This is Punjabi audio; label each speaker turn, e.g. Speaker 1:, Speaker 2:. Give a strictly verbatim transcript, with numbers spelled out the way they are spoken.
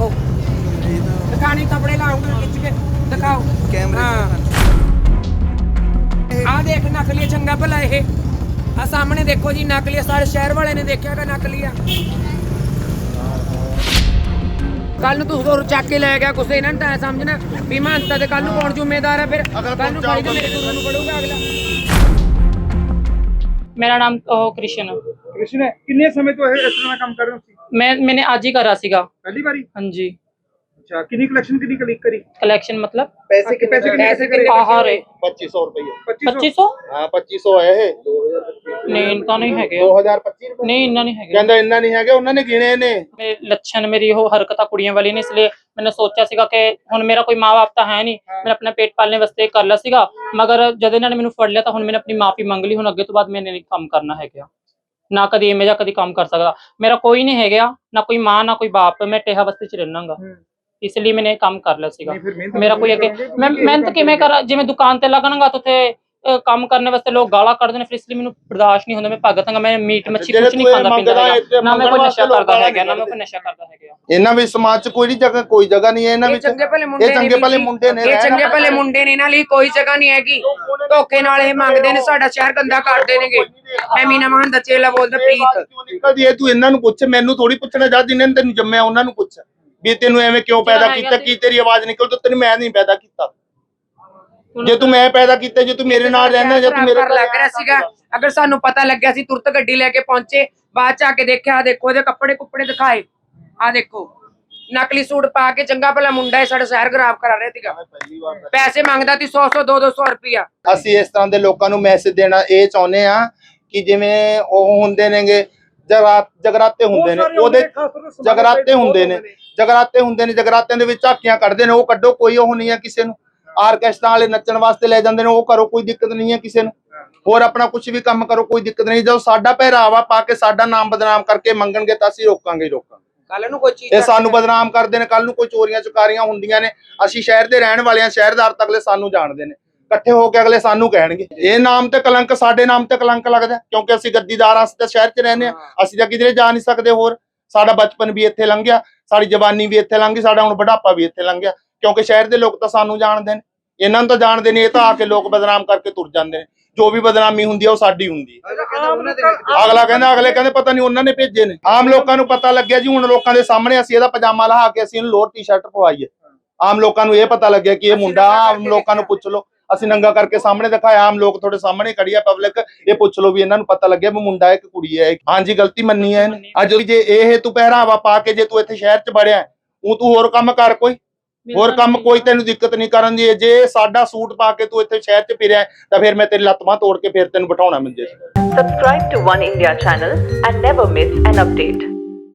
Speaker 1: देखो दिखाने कपड़े लाऊंगा खिंच के दिखाओ कैमरे हाँ आ देख नकली चंगा भला ये आ सामने देखो जी नकली सारे शहर वाले ने देखा कि नकली आ कल तू होर चक के लै गया कुछ इन्हां ने समझना भी महंता ते कल कौन जिम्मेदार है फिर कल नूं फड़ी ते मेरे गुरु नूं पड़ूगा अगला।
Speaker 2: मेरा नाम कृष्ण
Speaker 3: कृष्ण है किन्ने समय तो इस तरह काम कर रहे हो
Speaker 2: मैं मैंने आज ही करा सीगा
Speaker 3: पहली बारी
Speaker 2: हाँ जी।
Speaker 3: अच्छा कितनी कलेक्शन कितनी क्लिक करी
Speaker 2: कलेक्शन मतलब
Speaker 3: पैसे के पैसे
Speaker 1: पैसे
Speaker 3: कितने
Speaker 2: आहार है
Speaker 4: पच्चीस सौ रुपये
Speaker 2: पच्चीस सौ
Speaker 4: हाँ पच्चीस सौ है
Speaker 2: नहीं इनका नहीं है
Speaker 4: दो हजार पच्चीस
Speaker 2: नहीं इन्ना नहीं है
Speaker 4: कहंदा इन्ना नहीं है उन्होंने गिने ने
Speaker 2: मेरे लक्षण मेरी ਉਹ ਹਰਕਤਾਂ ਕੁੜੀਆਂ ਵਾਲੀ ਨੇ ਇਸ ਲਈ मैंने सोचा ਸੀਗਾ ਕਿ ਹੁਣ ਮੇਰਾ ਕੋਈ ਮਾਂ ਬਾਪ ਤਾਂ ਹੈ ਨਹੀਂ ਮੈਂ ਆਪਣਾ ਪੇਟ ਪਾਲਣੇ ਵਾਸਤੇ ਕਰ ਲਿਆ ਸੀਗਾ ਮਗਰ ਜਦ ਇਹਨਾਂ ਨੇ ਮੈਨੂੰ ਫੜ ਲਿਆ ਤਾਂ ਹੁਣ ਮੈंने ਆਪਣੀ ਮਾਫੀ ਮੰਗ ਲਈ ਹੁਣ ਅੱਗੇ ਤੋਂ ਬਾਅਦ ਮੈंने ਨਹੀਂ ਕੰਮ ਕਰਨਾ ਹੈਗਾ ਨਾ ਕਦੀ ਇਵੇਂ ਜਾਂ ਕਦੀ ਕੰਮ ਕਰ ਸਕਦਾ ਮੇਰਾ ਕੋਈ ਨਹੀਂ ਹੈਗਾ ਨਾ ਕੋਈ ਮਾਂ ਨਾ ਕੋਈ ਬਾਪ ਮੈਂ ਟੇਹਾ ਬਸਤੀ ਚ ਰਹਿਣਾਗਾ ਇਸ ਲਈ ਮੈंने ਕੰਮ ਕਰ ਲਿਆ ਸੀਗਾ ਮੇਰਾ ਕੋਈ ਅੱਗੇ ਮੈਂ ਮਿਹਨਤ ਕਿਵੇਂ ਕਰਾਂ ਜਿਵੇਂ ਦੁਕਾਨ ਤੇ ਲੱਗਣਗਾ ਤਾਂ ਉੱਥੇ ਕੰਮ ਕਰਨ ਵਾਸਤੇ ਲੋਕ ਗਾਲਾਂ ਕੱਢਦੇ ਨੇ ਫਿਰ ਇਸ ਲਈ ਮੈਨੂੰ ਬਰਦਾਸ਼ਤ ਨਹੀਂ ਹੁੰਦਾ ਮੈਂ ਭਗਤਾਂਗਾ ਮੈਂ ਮੀਟ ਮੱਛੀ ਕੁਝ ਨਹੀਂ ਖਾਂਦਾ ਪੀਂਦਾ ਨਾ ਮੈਂ ਕੋਈ ਨਸ਼ਾ ਕਰਦਾ ਹੈਗਾ ਨਾ ਮੈਂ ਕੋਈ ਨਸ਼ਾ ਕਰਦਾ ਹੈਗਾ
Speaker 4: ਇਹਨਾਂ ਵੀ ਸਮਾਜ ਚ ਕੋਈ ਜਗ੍ਹਾ ਕੋਈ ਜਗ੍ਹਾ ਨਹੀਂ ਹੈ ਇਹਨਾਂ ਵਿੱਚ
Speaker 1: ਚੰਗੇ ਭਲੇ ਮੁੰਡੇ
Speaker 4: ਇਹ ਚੰਗੇ ਭਲੇ ਮੁੰਡੇ ਨੇ
Speaker 1: ਇਹ ਚੰਗੇ ਭਲੇ ਮੁੰਡੇ ਨੇ ਇਹਨਾਂ ਲਈ ਕੋਈ ਜਗ੍ਹਾ ਨਹੀਂ ਹੈਗੀ ਧੋਖੇ ਨਾਲ ਇਹ ਮੰਗਦੇ ਨੇ ਸਾਡਾ ਸ਼ਹਿਰ ਗੰਦਾ ਕਰਦੇ ਨੇਗੇ ਮੈਂ ਮੀਨਾ ਮਹੰਦਾ ਚੇਲਾ ਬੋਲਦਾ ਪ੍ਰੀਤ
Speaker 4: ਨਿਕਲਦੀ ਹੈ ਤੂੰ ਇਹਨਾਂ ਨੂੰ ਪੁੱਛ ਮੈਨੂੰ ਥੋੜੀ ਪੁੱਛਣਾ ਜਾ ਜਿਨ੍ਹਾਂ ਨੇ ਤੈਨੂੰ ਜੰਮਿਆ ਉਹਨਾਂ ਨੂੰ ਪੁੱਛ ਵੀ ਤੈਨੂੰ ਐਵੇਂ ਕਿਉਂ ਪੈਦਾ ਕੀਤਾ ਕੀ ਤੇਰੀ ਆਵਾਜ਼ ਨਿਕਲ ਤੋ ਤੈਨੂੰ ਮੈਂ ਨਹੀਂ ਪੈਦਾ ਕੀਤਾ ਜੇ ਤੂੰ ਮੈਂ ਪੈਦਾ ਕੀਤਾ ਜੇ ਤੂੰ ਮੇਰੇ ਨਾਲ ਰਹਿਣਾ ਜੇ ਤੂੰ ਮੇਰੇ
Speaker 1: ਲੱਗ ਰਿਹਾ ਸੀਗਾ ਅਗਰ ਸਾਨੂੰ ਪਤਾ ਲੱਗਿਆ ਸੀ ਤੁਰਤ ਗੱਡੀ ਲੈ ਕੇ ਪਹੁੰਚੇ ਬਾਅਦ ਚ ਆ ਕੇ ਦੇਖਿਆ ਦੇਖੋ ਇਹਦੇ ਕੱਪੜੇ ਕੁੱਪੜੇ ਦਿਖਾਏ ਆ ਦੇਖੋ ਨਕਲੀ ਸੂਟ ਪਾ ਕੇ ਚੰਗਾ ਭਲਾ ਮੁੰਡਾ ਹੈ ਸਾਡਾ ਸ਼ਹਿਰ ਖਰਾਬ ਕਰਾ ਰਿਹਾ ਸੀਗਾ ਪੈਸੇ ਮੰਗਦਾ ਸੀ ਸੌ ਸੌ ਦੋ ਦੋ ਸੌ ਰੁਪਿਆ
Speaker 4: ਅਸੀਂ ਇਸ ਤਰ੍ਹਾਂ ਦੇ ਲੋਕਾਂ ਨੂੰ ਮੈਸੇਜ ਦੇਣਾ ਇਹ ਚਾਹੁੰਦੇ ਆ ਕਿ ਜਿਵੇਂ ਉਹ ਹੁੰਦੇ ਨੇਗੇ ਜਗਰਾਤ ਜਗਰਾਤੇ ਹੁੰਦੇ ਨੇ ਉਹਦੇ ਜਗਰਾਤੇ ਹੁੰਦੇ ਨੇ ਜਗਰਾਤੇ ਹੁੰਦੇ ਨੇ ਜਗਰਾਤਿਆਂ ਦੇ ਵਿੱਚ ਝਾਕੀਆਂ ਕੱਢਦੇ ਨੇ ਉਹ ਕੱਢੋ ਕੋਈ ਉਹ ਨਹੀਂ ਹੈ ਕਿਸੇ ਨੂੰ ਆਰਕੈਸਟਰਾ ਵਾਲੇ ਨੱਚਣ ਵਾਸਤੇ ਲੈ ਜਾਂਦੇ ਨੇ ਉਹ ਕਰੋ ਕੋਈ ਦਿੱਕਤ ਨਹੀਂ ਹੈ ਕਿਸੇ ਨੂੰ ਹੋਰ ਆਪਣਾ ਕੁਝ ਵੀ ਕੰਮ ਕਰੋ ਕੋਈ ਦਿੱਕਤ ਨਹੀਂ ਜਦੋਂ ਸਾਡਾ ਪਹਿਰਾਵਾ ਪਾ ਕੇ ਸਾਡਾ ਨਾਮ ਬਦਨਾਮ ਕਰਕੇ ਮੰਗਣਗੇ ਤਾਂ ਅਸੀਂ ਰੋਕਾਂਗੇ ਰੋਕਾਂਗੇ
Speaker 1: ਕੱਲ ਨੂੰ ਕੋਈ ਚੀਜ਼
Speaker 4: ਇਹ ਸਾਨੂੰ ਬਦਨਾਮ ਕਰਦੇ ਨੇ ਕੱਲ ਨੂੰ ਕੋਈ ਚੋਰੀਆਂ ਚੁਕਾਰੀਆਂ ਹੁੰਦੀਆਂ ਨੇ ਅਸੀਂ ਸ਼ਹਿਰ ਦੇ ਰਹਿਣ ਵਾਲੇ ਆ ਸ਼ਹਿਰਦਾਰ ਤਾਂ ਅਗਲੇ ਸਾਨੂੰ ਜਾਣਦੇ ਨੇ ਇਕੱਠੇ ਹੋ ਕੇ ਅਗਲੇ ਸਾਨੂੰ ਕਹਿਣਗੇ ਇਹ ਨਾਮ ਤੇ ਕਲੰਕ ਸਾਡੇ ਨਾਮ ਤੇ ਕਲੰਕ ਲੱਗਦਾ ਕਿਉਂਕਿ ਅਸੀਂ ਗੱਦੀਦਾਰ ਅਸੀਂ ਤਾਂ ਸ਼ਹਿਰ 'ਚ ਰਹਿੰਦੇ ਆ ਅਸੀਂ ਤਾਂ ਕਿਧਰੇ ਜਾ ਨਹੀਂ ਸਕਦੇ ਹੋਰ ਸਾਡਾ ਬਚਪਨ ਵੀ ਇੱਥੇ ਲੰਘਿਆ ਸਾਡੀ ਜਵਾਨੀ ਵੀ ਇੱਥੇ ਲੰਘੀ ਸਾਡਾ ਹੁਣ ਬੁਢਾਪਾ ਵੀ ਇੱਥੇ ਲੰਘਿਆ ਕਿਉਂਕਿ ਸ਼ਹਿਰ ਦੇ ਲੋਕ ਤਾਂ ਸਾਨੂੰ ਜਾਣਦੇ ਨੇ ਇਹਨਾਂ ਨੂੰ ਤਾਂ ਜਾਣਦੇ ਨੇ ਇਹ ਤਾਂ ਆ ਕੇ ਲੋਕ ਬਦਨਾਮ ਕਰਕੇ ਤੁਰ ਜਾਂਦੇ ਨੇ ਜੋ ਵੀ ਬਦਨਾਮੀ ਹੁੰਦੀ ਆ ਉਹ ਸਾਡੀ ਹੁੰਦੀ ਹੈ ਅਗਲਾ ਕਹਿੰਦਾ ਅਗਲੇ ਕਹਿੰਦੇ ਪਤਾ ਨਹੀਂ ਉਹਨਾਂ ਨੇ ਭੇਜੇ ਨੇ ਆਮ ਲੋਕਾਂ ਨੂੰ ਪਤਾ ਲੱਗਿਆ ਜੀ ਹੁਣ ਲੋਕਾਂ ਦੇ ਸਾਹਮਣੇ ਅਸੀਂ ਇਹਦਾ ਪਜਾਮਾ ਲਹਾ ਕੇ ਅਸੀਂ ਇਹਨੂੰ ਲੋਅਰ ਟੀ-ਸ਼ਰਟ ਪਵਾਈ ਹੈ ਆਮ ਲੋਕਾਂ ਨੂੰ ਇਹ ਪਤਾ ਲੱਗਿਆ ਕਿ ਇਹ ਮੁੰਡਾ ਆਮ ਲੋਕਾਂ ਨੂੰ ਪੁੱਛ ਲਓ ਅਸੀਂ ਨੰਗਾ ਕਰਕੇ ਸਾਹਮਣੇ ਦਿਖਾਇਆ ਆਮ ਲੋਕ ਤੁਹਾਡੇ ਸਾਹਮਣੇ ਖੜੀ ਆ ਪਬਲਿਕ ਇਹ ਪੁੱਛ ਲਓ ਵੀ ਇਹਨਾਂ ਨੂੰ ਪਤਾ ਲੱਗਿਆ ਵੀ ਮੁੰਡਾ ਹੈ ਕਿ ਕੁੜੀ ਹੈ ਹਾਂਜੀ ਗਲਤੀ ਮੰਨੀ ਹੈ ਇਹਨੇ ਅੱਜ ਜੇ ਇਹ ਤੂੰ ਪਹਿਰਾਵਾ ਪਾ ਕੇ ਜੇ ਤੂੰ ਇੱਥੇ ਸ਼ਹਿਰ 'ਚ ਵੜਿਆ ਉਹ ਤੂੰ ਹੋਰ ਕੰਮ ਕਰ ਕੋਈ ਹੋਰ ਕੰਮ ਕੋਈ ਤੈਨੂੰ ਦਿੱਕਤ ਨਹੀਂ ਕਰਨ ਦੀ ਜੇ ਸਾਡਾ ਸੂਟ ਪਾ ਕੇ ਤੂੰ ਇੱਥੇ ਸ਼ਹਿਰ 'ਚ ਫਿਰਿਆ ਤਾਂ ਫਿਰ ਮੈਂ ਤੇਰੀ ਲੱਤ ਬਾਂਹ ਤੋੜ ਕੇ ਫਿਰ ਤੈਨੂੰ ਬਿਠਾਉਣਾ ਮੰਜੇ 'ਤੇ।
Speaker 5: Subscribe to One India channel and never miss an update.